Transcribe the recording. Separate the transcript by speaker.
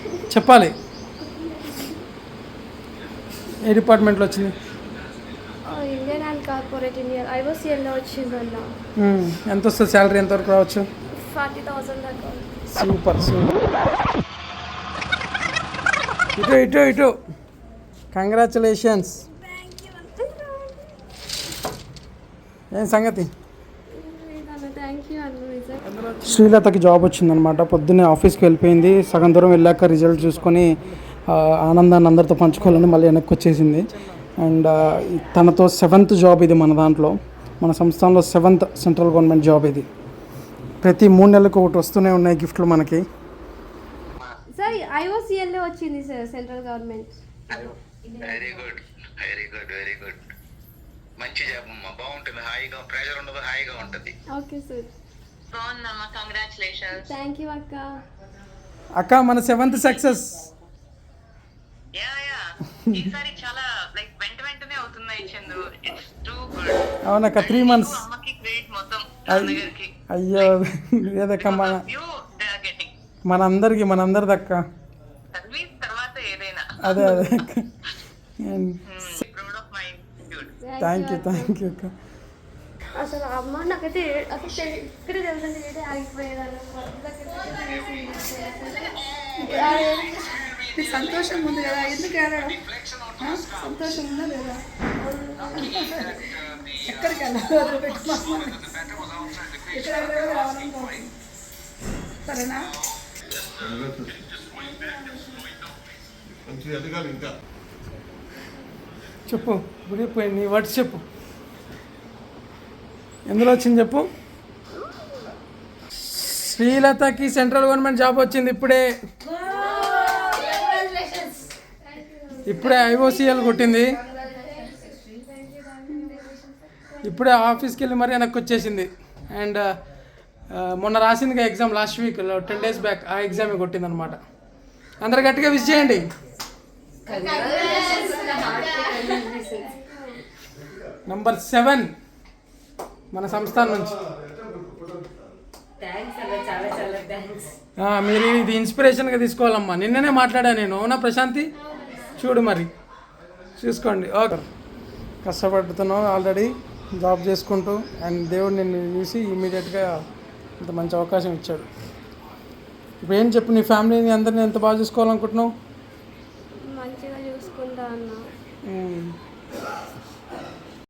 Speaker 1: చెప్పాలి. ఏ డిపార్ట్మెంట్లో వచ్చింది?
Speaker 2: ఇండియన్ అండ్ కార్పొరేట్ ఇండియన్ ఐఓసీఎల్లో వచ్చిందన్న.
Speaker 1: ఎంత వస్తుంది శాలరీ? ఎంతవరకు రావచ్చు?
Speaker 2: 40,000 దాకా.
Speaker 1: Super super. ఇటు ఇటు ఇటు. కంగ్రాచులేషన్స్. ఏం సంగతి? శ్రీలతకి జాబ్ వచ్చిందనమాట. పొద్దున్నే ఆఫీస్కి వెళ్ళిపోయింది. సగం దూరం వెళ్ళాక రిజల్ట్ చూసుకొని ఆనందాన్ని అందరితో పంచుకోవాలని మళ్ళీ వెనక్కి వచ్చేసింది. అండ్ తనతో 7th జాబ్ ఇది మన దాంట్లో, మన సంస్థానంలో 7th సెంట్రల్ గవర్నమెంట్ జాబ్ ఇది. ప్రతి 3 నెలలకు ఒకటి వస్తూనే ఉన్నాయి గిఫ్ట్లు మనకి.
Speaker 2: సార్ ఐఓసీఎల్లో వచ్చింది sir, central government.
Speaker 3: Very good very good very good. మంచి జాబ్ అమ్మా, బాగుంటుంది. హాయిగా ప్రెషర్ ఉండదు, హాయిగా ఉంటుంది.
Speaker 2: Okay sir.
Speaker 4: బాగుందమ్మా, కంగ్రాచులేషన్స్.
Speaker 2: థ్యాంక్ యూ అక్క.
Speaker 1: అక్క మన 7th సక్సెస్.
Speaker 4: యా యా, ఈసారి చాలా లైక్ వెంటనే అవుతున్నాయి చందు. It's too good.
Speaker 1: అవునక్క, 3 months.
Speaker 4: అమ్మకి క్రెడిట్ మొత్తం నాన్నగారికి.
Speaker 1: అయ్యో లేదక్క,
Speaker 4: మనందరిది
Speaker 1: మనందరిదక్క.
Speaker 4: సర్వీస్ తర్వాత ఏదైనా.
Speaker 1: అదే అదే అక్క.
Speaker 4: Proud of my dude.
Speaker 1: Thank you అక్క.
Speaker 2: అసలు అమ్మ నాకైతే అసలు ఇక్కడే తెలుసండి, ఏదే ఆగిపోయేదాన్ని.
Speaker 5: సంతోషం ఉంది కదా, ఎందుకు ఏడడం? సంతోషం ఉందా లేదా? ఎక్కడికి వెళ్ళాలి? ఇక్కడ రావాలనుకోవాలి. సరేనా?
Speaker 1: చెప్పు గుడిపోయి నీ వర్డ్స్ చెప్పు. ఎందులో వచ్చింది చెప్పు. శ్రీలతకి సెంట్రల్ గవర్నమెంట్ జాబ్ వచ్చింది ఇప్పుడే ఐఓసీఎల్ కొట్టింది. ఇప్పుడే ఆఫీస్కి వెళ్ళి మరీ వెనక్కి వచ్చేసింది. అండ్ మొన్న రాసిందిగా exam last week 10 days back, ఆ ఎగ్జామ్ కొట్టింది అనమాట. అందరు గట్టిగా విష్ చేయండి. నంబర్ 7 మన సంస్థానం నుంచి. మీరు ఇది ఇన్స్పిరేషన్గా తీసుకోవాలమ్మా. నిన్ననే మాట్లాడా నేను, అవునా ప్రశాంతి? చూడు మరి, చూసుకోండి. ఓకే, కష్టపడుతున్నావు ఆల్రెడీ జాబ్ చేసుకుంటూ. అండ్ దేవుడు నిన్ను చూసి ఇమీడియట్గా ఇంత మంచి అవకాశం ఇచ్చాడు. ఇప్పుడు ఏం చెప్పు, నీ ఫ్యామిలీని అందరినీ ఎంత బాగా చూసుకోవాలనుకుంటున్నావు?
Speaker 2: మంచిగా చూసుకుంటా అన్న.